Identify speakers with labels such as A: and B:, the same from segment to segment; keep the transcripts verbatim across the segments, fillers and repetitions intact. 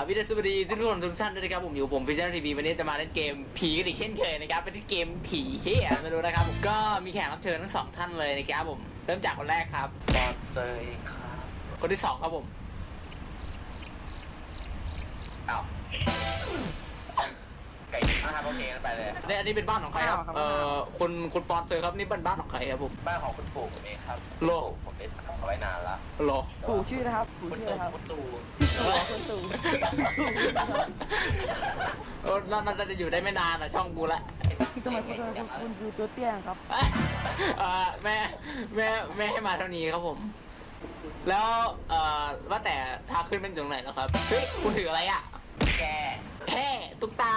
A: วิดีโอสวัสดีทุกคนทุกท่านด้วยนะครับผมอยู่ผมฟิชเชอร์ทีวีวันนี้จะมาเล่นเกมผีกันอีกเช่นเคยนะครับเป็นเกมผีเฮียมาดูนะครับผมก็มีแขกรับเชิญทั้งสองท่านเลยนะครับผมเริ่มจากคนแรกครับ
B: บอสเซอร์ครับ
A: คนที่สองครับผม
B: อ้าวไก่นะครับโอเคไปเลย
A: เนี่ยอันนี้เป็นบ้านของใครครับเอ่อคุณคุณปอนเซอร์ครับนี่เป็นบ้านของใครครับผม
B: บ้านของคุณปู่ผมเองครับ
A: โล
B: ผมได้สั่งเอาไว้นานละ
A: โล
C: ปู่ชื่อนะครับปู่
B: คุณ
C: ชื่อ
B: ตู่
C: นะครับ
B: คุณตู่
C: คุณตู่
A: เออน่าจะอยู่ได้ไม่นานอ่ะช่องกูละ
C: ทำไมคุณคุณคุณคือตัวเตี้ยครับ
A: เอ่อแม่แม่แม่ให้มาเท่านี้ครับผม แล้วเอ่อว่าแต่ทางขึ้นเป็นตรงไหนแล้วครับเฮ้ยคุณถืออะไรอ่ะ
B: แก
A: แฮ่ตุ๊กตา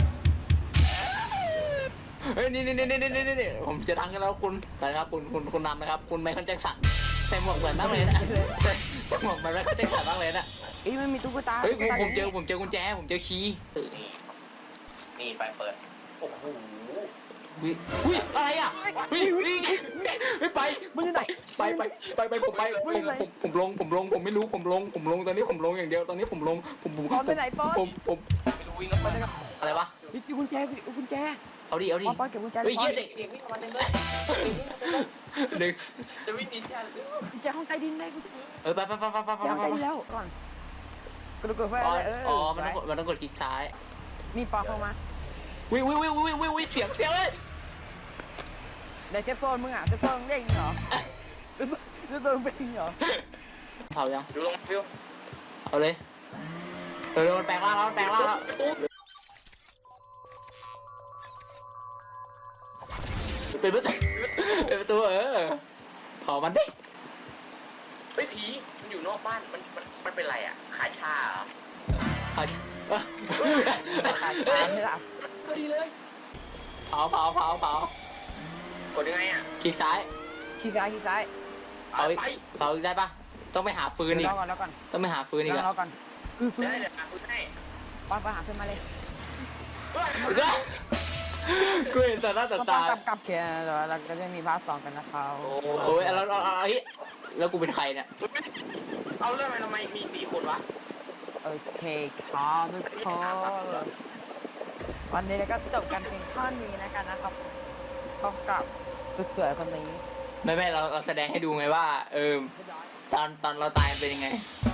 A: เฮ้ยนี่นี่นี่นี่นี่นี่ผมจะดังกันแล้วคุณนะครับคุณคุณคุณนำนะครับคุณไมเคิลแจ็คสันใส่หมวกเหมือนมากเลยนะใส่ใส่หมวกเหมือนไมเคิลแจ็คสันมากเลยนะ
C: เอ้ยมันมีตุ๊กตา
A: เฮ้ยผมผมเจอผมเจอกุญแจผมเจอคีย์
B: นี่นี่ไปเปิดโอ้โห
A: อุ้ยอุ้ยอะไรอ่ะอุ้ยอุ้ยไม่ไป
C: มึงอยู่ไหน
A: ไปไปไปไปผมไปผมผมผมลงผมลงผมไม่รู้ผมลงผมลงตอนนี้ผมลงอย่างเดียวตอนนี้ผมลงผมผม
C: ปอนไปไหนปอน
A: ผมผม
B: ไม่รู้วิ่งแล้วไปเลยครับ
A: อะไรวะ
C: มีกุญแจมีกุญแจ
A: เอาดิเอาดิ
C: ปอนปอนเก็บกุญแจ
A: เฮ้ย
C: ป
A: เยี่
C: อย น
A: เด็ก
B: เด็กวิ่งมาเต็มเลย
A: เด็ก
B: จะวิ่งหนีทัน
C: กุญแจห้องใต้ดินได้กุญแจ
A: เออไปไปไปไปไปไป
C: ห้อง
A: ไป
C: ใต้ดินแล้วก่อนกระโดดไฟ
A: อ๋อ
C: เออ
A: อ๋อมันต้องกดมันต้องกดคลิกซ้าย
C: นี่ปอนเข้ามา
A: วิววิววิววิววิววิเสียงเสียงเลย
C: ในเซฟโซนมึงอ่ะเซฟโซนเด้งเหรอเซฟโซนเป็นเหรอ
A: เผายัง
B: ดูลงฟิว
A: เอาเลยเร็วๆมันแปลงร่างแล้วมันแปลงร่างแล้ว
B: ประตู
A: เป็นประตูเป็นประตูเออเผามันดิ
B: เฮ้ยผีมันอยู่นอกบ้านมันมันมันเป็นไรอ่ะขายชาเหรอ
A: เผาเออ
C: ขาดตาไม่หลับ
B: พอดีเลย
A: เผาเผาเผาเผาก
B: ดยังไงอ่ะ
A: คลิกซ้าย
C: ขี้ซ้ายขี้ซ้าย
A: เผาอีก
B: ไป
A: เผาอีกได้ปะต้องไปหาฟืนอีก
C: รอก่อนรอก่อน
A: ต้องไปหาฟืนอีก
C: ร
A: อะ
C: อก่อนคือฟื้น
B: ได้เดี๋ยวมาคุณให้
C: ปอนไปหาเพื่อนมาเลย
A: กูเห็นแต่หน้าแต่
C: ต้อง
A: ตา
C: กลับกลับเขียนเราก็จะมีพาร์ทสองกันนะครับ
A: โอ้ยแล้วแล้วแล้วแล้วกูเป็นใครเนี่ย
B: เอาเรื่องอะไรทำไมมีสี่คนวะ
C: โอเคครับทุกคนวันนี้เราก็จบกันเพียงเท่านี้นะครับนะครับพบกับสุดสวยคนนี้
A: ไม่ไม่เราเราแสดงให้ดูไงว่า เออตอนตอนเราตายเป็นยังไง
C: เ